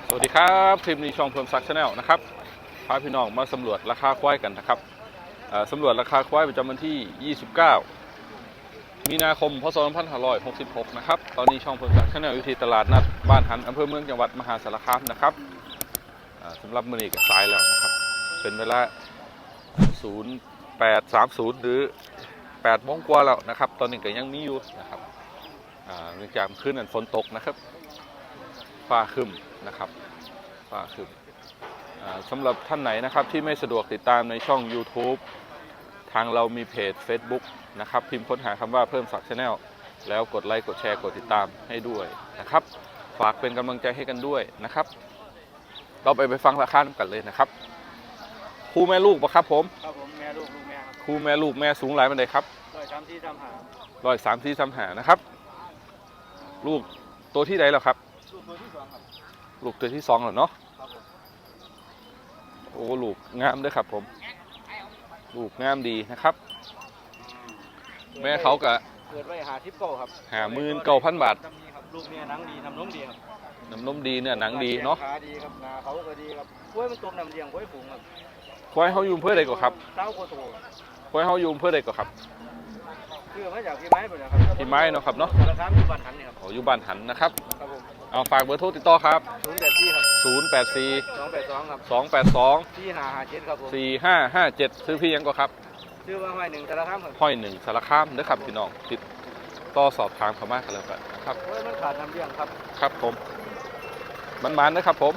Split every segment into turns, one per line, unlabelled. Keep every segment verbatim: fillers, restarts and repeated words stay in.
สวัสดีครับคลิปนี้ช่องเพิ่มซักชาแนลนะครับพาพี่น้องมาสำรวจราคาควายกันนะครับสำรวจราคาควายประจำวันที่ยี่สิบเก้ามีนาคมพศสองพันห้าร้อยหกสิบหกนะครับตอนนี้ช่องเพิ่มซักชาแนลอยู่ที่ตลาดนัดบ้านหันอำเภอเมืองจังหวัดมหาสารคามนะครับสำหรับมื้อนี้ก็สายแล้วนะครับเป็นเวลาศูนย์แปดสามศูนย์หรือแปดโมงกว่าแล้วนะครับตอนนี้ก็ยังมีอยู่นะครับเนื่องจากคืนนั้นฝนตกนะครับฟ้าครึ้มนะครับฟ้าครึ้มสำหรับท่านไหนนะครับที่ไม่สะดวกติดตามในช่อง ยูทูบ ทางเรามีเพจ เฟซบุ๊ก นะครับพิมพ์ค้นหาคำว่าเพิ่มศักดิ์ชาแนลแล้วกดไลค์กดแชร์กดติดตามให้ด้วยนะครับฝากเป็นกำลังใจให้กันด้วยนะครับเราไปไปฟังราคากันเลยนะครับคู่แม่ลูกปะครับผม
ครับผมแม่ลูกลูกแม่ครับ
คู่แม่ลูกแม่สูงหลายเป็นไดครับ
ร้อยสามที่ทำหา
ร้อยสามที่ทำหานะครับลูกตัวที่ใดแล้วครับ
ลูกตัวที่สองครับ
ลูกตัวที่สองเหรอเนาะ
ครับผม
โอ้ลูกงามด้วยครับผมลูกงามดีนะครับแม่เขากะ
เกิดไว้หาทิปเก้าครับ
หาหมื่นเก้าพันบาท
ลูกเมียหนังดีน้ำนมดีครับ
น้ำนมดีเนี่ยหนังดีเนาะ
ขาดีครับนาเขาก็ดีครับกล้วยมันต้มน้ำเลี้ยงกล้วยฝูงครับ
ควายเขาอยู่เพื่อใดก่อนครับ
เต้าโคโต
ควายเขาอยู่เพื่อใดก่อนครับ
คือมาจากพี่ไม้หมดนะครับ
พี่ไม้เนาะครับเนาะ
ราคาอยู่บ้านหันนี่ครับ
โอ้อยู่บ้านหันนะครับ
ครับผม
เอาฝากเบอร์โทรติดต่อครับ
ศูนย์แปดสี่ครับ
ศูนย์แปดสี่
สองแปดสองครับ
สองแปดสอง
สี่ห้าห้าเจ็ดครับผม
สี่ห้าห้าเจ็ดซื้อพี่ยังก่อนครับ
ชื่อว่าห้อยหนึ่งสารคามครับ
ห้อยหนึ่งสารคามนะครับพี่น้องติดต่อสอบถามเขามากกันแล้วกันนะครับ
มันขาดน้ำเลี้ยงครับ
ครับผมมันมันนะครับผม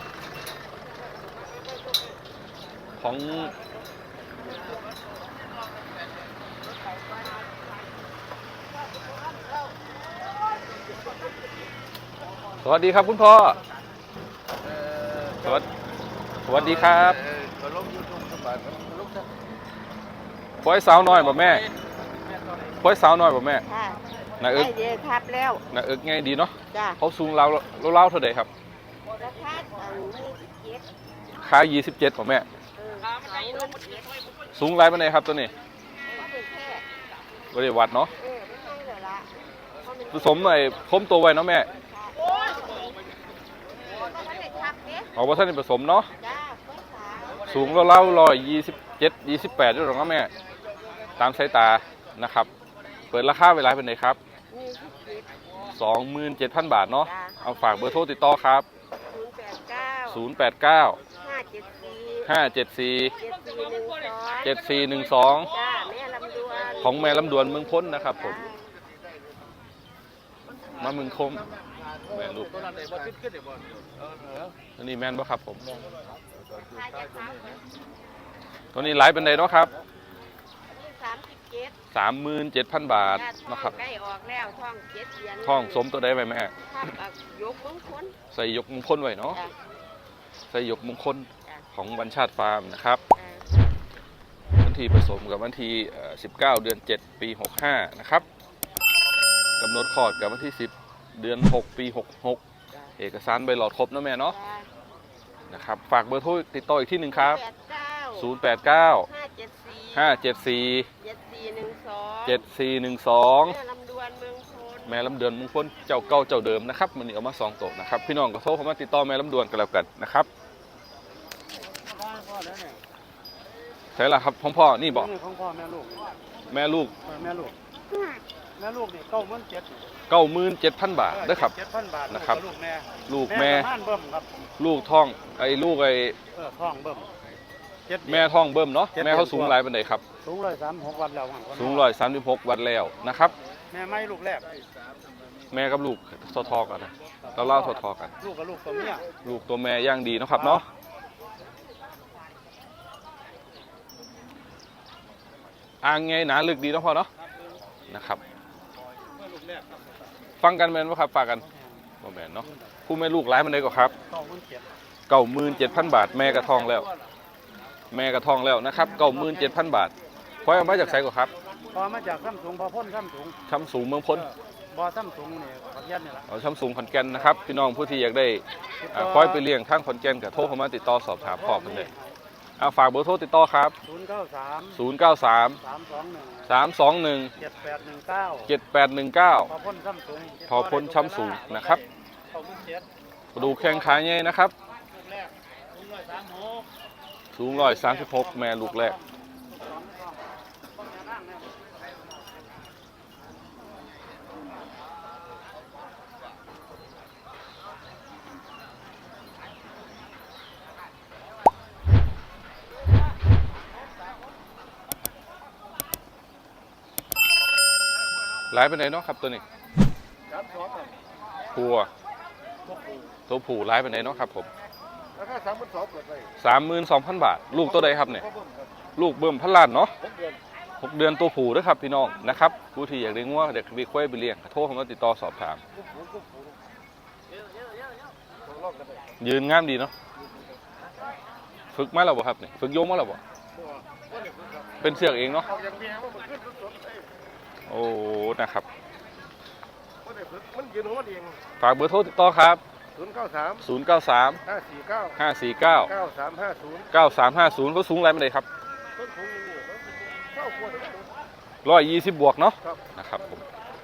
ของสวัสดีครับคุณพ่อสวัสดีสวัสดีครับควายสาวน้อยบ่แม่ควายสาวน้อยบ่แม่น่าเอิก
เยอะครับแล้ว
น่าเอิกไงดีเนาะ
จ้า
เขาสูงเล่าเล่าเท่าไหร่ครับ
ราคายี่สิบเจ็ด
ขายยี่สิบเจ็ดบ่แม่สูงไรปานใดครับตัวนี้บริวัดเนาะผสมหน่อยพมตัวไว้เนาะแม่เอาว่าท่านผสมเนาะสูงเราเล่าร้อยยี่สิบเจ็ดยี่สิบแปดด้วยหรอครับแม่ตามสายตานะครับเปิดราคาเวลาเป็นไงครับสองหมื่นเจ็ดพันบาทเนาะเอาฝากเบอร์โทรติดต่อครับศูนย์แปดเก้าห้าเจ็ดสี่เจ็ดสี่หนึ่งสองของแม่ลำดวนเมืองพ้นนะครับผมมาเมืองคมแม่ลูกตัวนี้แม่นบ่ครับผมตัวนี้ไลฟ์เป็นไงเนาะครับสามหมื่นเจ็ดพันบาทนะครับ
ใกล้ออกแล้วท่องเจ็ดเดือน
ท่องสมตัวได้ไหมแม่
ยกมงคล
ใส่ยกมงคลไว้เนาะใส่ยกมงคลของวันชาติฟาร์มนะครับวันที่ผสมกับวันที่สิบเก้าเดือนเจ็ดปีหกห้านะครับกำหนดคลอดกับวันที่สิบเดือนหกปีหกหกเอกสารใบหลอดครบนะแม่เนาะนะครับฝากเบอร์โทรติดต่ออีกที่หนึ่งครับศูนย์แปดเก้าห้าเจ็ดสี่เจ็ดสี่หนึ่งสองแม่ลำดวนมงคลเจ้าเก่าเจ้าเดิมนะครับมันนี่เอามาสองโต๊ะนะครับพี่น้องก็โทรเข้ามาติดต่อแม่ลำดวนกันแล้วกันนะครับใช่ละครับพ่อพ่อนี่บอก
ของพ่อแม่ลูก
แม่ลูก
แม่ลูกแม่ลูกนี่เก้าหมื่นเจ็ด
เก้าหมื่นเจ็ดพันบาทด้วยครับนะครับลูกแม่ลูกท้องไอ้ลูกไอ้
ท้องเบิ่ม
แม่ท้องเบิ่มเนาะแม่เขาสูงหลายปานใดครับ
สูงร้อยสามหกวันแล้ว
สูงร้อยสามสิบหกวันแล้วนะครับ
แม่ไม่ลูกแรก
แม่กับลูกทอทอกันนะเราเล่าทอทอกัน
ลูกกับลูกตัวเมีย
ลูกตัวแม่ย่างดีนะครับเนาะอ่างไงหนาลึกดีเนาะพ่อเนาะนะครับฟังกันแมนว่าครับฝากกันบ่แมนเนาะผู้แม่ลูกหลายมันได้ก็ครับเก้าหมื่นเจ็ดพันบาทแม่กระทองแล้วแม่กระทองแล้วนะครับเก้าหมื่นเจ็ดพันบาทพอมาจากไสก็ครับ
พอมาจากซ้ำสูงพอพ้นซ้ำสูง
ซ้ำสูงเมืองพ้น
บ่อซ้ำสูงเนี่ยขอนแก่นนี่แหละ
เอาซ้ำสูงขอนแก่นนะครับพี่น้องผู้ที่อยากได้คอยไปเลี้ยงทางขอนแก่นกับโทรเข้ามาติดต่อสอบถามพ่อกันเลยเอาฝากเบอร์โทรติดต่อครับ
ศูนย์เก้าสาม
ศูนย์เก้าสาม
สามสองหนึ่ง
สามสองหนึ่ง
เจ็ดแปดหนึ่งเก้า
เจ็ดแปดหนึ่งเก้า
พอพ้นซ้ำสูง
พอพ้นซ้ำสูงนะครับดูแข้งขาใหญ่นะครับสูงร้อยสามสิบหกแม่ลูกแรกหลายไปไหนเนาะครับตัวนี้ผัวตัวผู้หลายไปไหนเนาะครับผม
ราคาสามหมื่นสองเปิดไป
สามหมื่นสองพันบาทลูกตัวใดครับเนี่ยลูกเบิ่มพันล้านเนาะหกเดือนตัวผู้ด้วยครับพี่น้องนะครับผู้ที่อยากเลี้ยงวัวอยากมีควายไปเลี้ยงโทรเข้ามาติดต่อสอบถามยืนงามดีเนาะฝึกมาแล้วบ่ครับเนี่ยฝึกโยมมาแล้วบ่เป็นเสือกเองเนาะโอ้นะครับฝากเบอร์โทรติดต่อครับ
ศูนย์เก้าสาม
ศูนย์เก้าสาม
ห้าสี่เก้า
ห้าสี่เก้า
เก้าสามห้าศูนย์
เก้าสามห้าศูนย์เขาสูงอะไรไม่ได้ครับร้อยยี่สิบบวกเนาะนะครับผม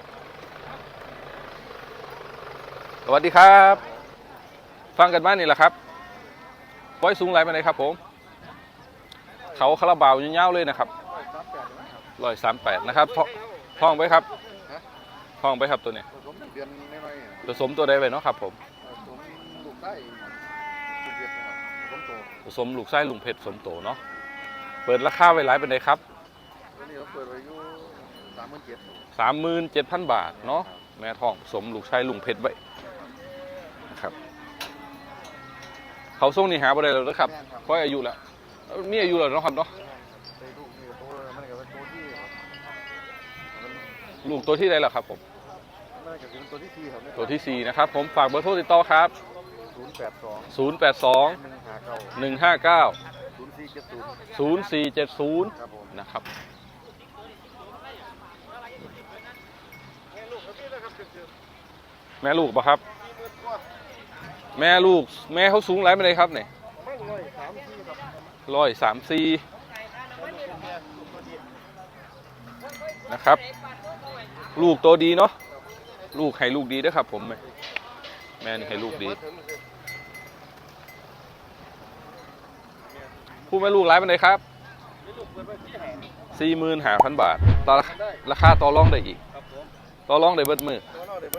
สวัสดีครับฟังกันบ้านนี่แหละครับไว้สูงไรไม่ได้ครับผมเขาคาราบาวยาวๆเลยนะครับร้อยสามแปดนะครับท่องไปครับท่องไปครับตัวนี้ผสมตัวใดไปเนาะครับผมผสมลูกไส้ลุงเพชรผสมโตเนาะเปิดราคาไว้หลายเป็นไงครับสามหมื่นเจ็ดพันบาทเนาะแม่ทองผสมลูกไส้ลุงเพชรไว้นะครับเขาส่งนี่หาบ่ได้แล้วนะครับเพราะอายุแล้วมีอายุแล้วเนาะครับเนาะลูกตัวที่ใดล่ะครับผมตัวที่สี่นะครับผมฝากเบอร์โทรติดต่อครับศูนย์แปดสอง ศูนย์แปดสอง หนึ่งห้าเก้า ศูนย์สี่เจ็ดศูนย์นะครับแม่ลูกปะครับแม่ลูกแม่เขาสูงไรไม่ได้ครับเนี่ยร้อยสามสี่นะครับลูกตัวดีเนาะลูกให้ลูกดีด้วยครับผมแม่แม่นี่ให้ลูกดีผู้แม่ลูกร้ายเป็นไงครับสี่หมื่นห้าพันบาทต่อราคาต่อรองได้อีกต่อรองได้เบิดมือ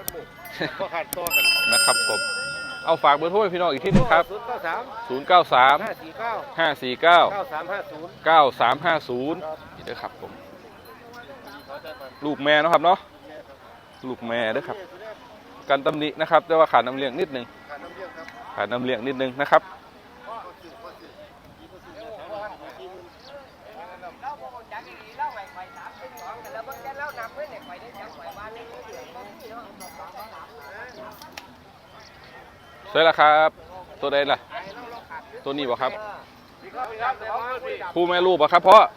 นะครับผมเอาฝากเบอร์โทรพี่น้องอีกที่นึงครับศูนย์เก้าสาม ห้าสี่เก้า เก้าสามห้าศูนย์นี่ด้วยครับผมลูกแม่นะครับเนาะลูกแม่ด้วยครับการตำหนินะครับแต่ว่าขาดน้ำเลี้ยงนิดนึงขาดน้ำเลี้ยงนิดนึงนะครับใช่แล้วครับตัวใดล่ะตัวนี้บ่ครับคู่แม่ลูกบ่ครับเพราะ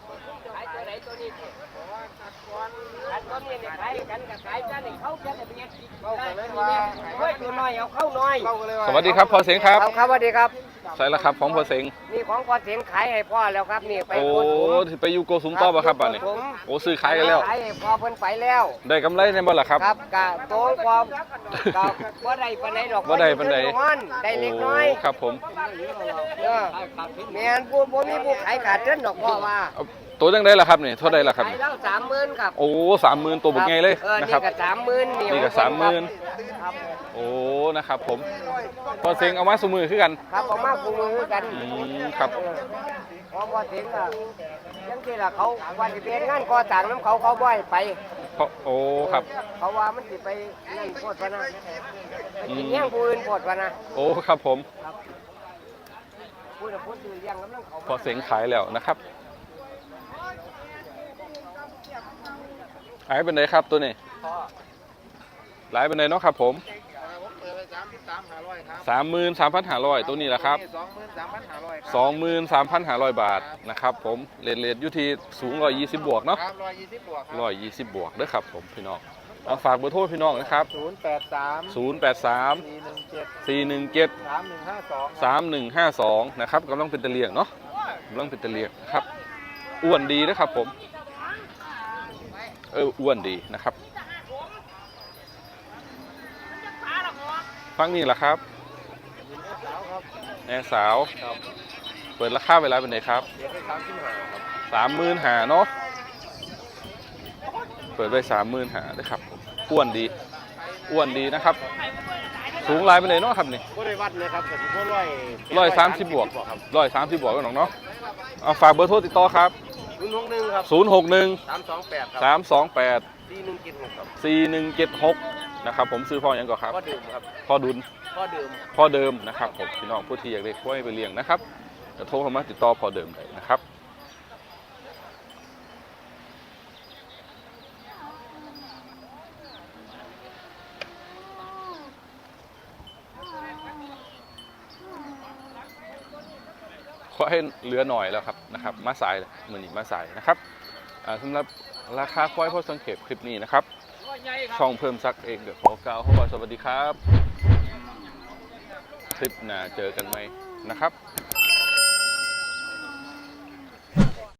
สวัสดีครับพอเสียงครับ
ครับสวัสดีครับ
ใช่แล้วครับของพอเสียง
นี่ของพอเสียงขายให้พ่อแล้วครับนี่ไป
โอ้ไปยูโกสุมต่อป่ะครับบ้านนี้โอ้ซื้อขายกันแล้ว
ขายให้พ่อเพิ่นไปแล้ว
ได้กำไรในบ่ล่ะครับ
ครับกะโตความกะบ่ได้ปานใดดอก
บ่ได้ปานใด
ได้เล็กน้อย
ครับผม
เออแม่นผู้บ่มีผู้ขายขาดเงินดอกพ่อว่า
ตัวจังได้ล่ะครับนี่เท่าใดล่ะครับ
ขายแล้วสามหมื่นครับ
โอ้สามหมื่นตัวบักไงเลยนะครับ
นี่ก็สามหมื่น
นี่ก็สามหมื่นโอ้นะครับผมพอเสียงเอามาสมือคือกัน
ครับเอามาสมือคือกัน
ครับ
พอพอเสียงอ่ะจังซี่ล่ะเขาว่าสิเป็นงานก่อสร้างน้ำเขาเขาบ่ให้ไป
โอ้ครับ
เขาว่ามันสิไปนั่นโพดพะนะสิเลี้ยงผู้อื่นโพดพะนะ
โอ้ครับผม
ผู้ผู้ซื้อเลี้ยงกำลังเขา
พอเสียงขายแล้วนะครับหายเป็นไงครับตัวนี้หลายเป็นไงเนาะครับผมสามหมื่นสามพันห้าร้อยตัวนี้แหละครับสองหมื่นสามพันห้าร้อยบาทนะครับผมเลทเลทอยู่ที่สูงร้อยยี่สิบบวกเนาะร้อยยี่สิบบวกด้วยครับผมพี่น้องเอาฝากเบอร์โทรพี่น้องนะครับ
ศูนย์แปดสาม
ศูนย์แปดสามสี่หนึ่งเจ็ด
สามหนึ่งห้าสอง
สามหนึ่งห้าสองนะครับกำลังเป็นตะเลียงเนาะกำลังเป็นตะเลียงครับอ้วนดีนะครับผมเอออ้วนดีนะครับฟังนี่แหละครับแม่สาวปิดราคาเวลาเป็นไงครับ
เดี๋ยวให้สามสิบห้าครับ
สามหมื่นหาเนาะเปิดไว้สามหมื่นหาด้วยครับผมอ้วนดีอ้วนดีนะครับ สูงลายไปเลยเนาะครับนี่
ก็ได้วัดเลยครับผมก็ร้อย
ร้อยสามสิบบวกร้อยสามสิบบวกกันหรอกเนาะเอาฝากเบอร์โทรติดต่อครับ
ศูนย์หกหนึ่งครับ
ศูนย์หกหนึ่ง
สามสองแปดครับ
สามสองแปด
สี่หนึ่งเจ็ดหกครับ
สี่หนึ่งเจ็ดหกนะครับผมซื้อพ่ออย่างก่อนครับ
พ่อดื่มครับ
พ่อดุล
พ่อดื่ม
พ่อเดิมนะครับผมพี่น้องผู้ที่อยากได้กล้วยไปเลี้ยงนะครับจะโทรเข้ามาติดต่อพ่อเดิมได้นะครับขอให้เหลือหน่อยแล้วครับนะครับมาสายมือนี้มาสายนะครับอ่าสำหรับราคาควายพ่อสังเกตคลิปนี้นะครับช่องเพิ่มซักเองเดี๋ยวขอกล่าวเข้ามาสวัสดีครับคลิปหน้าเจอกันไหมนะครับ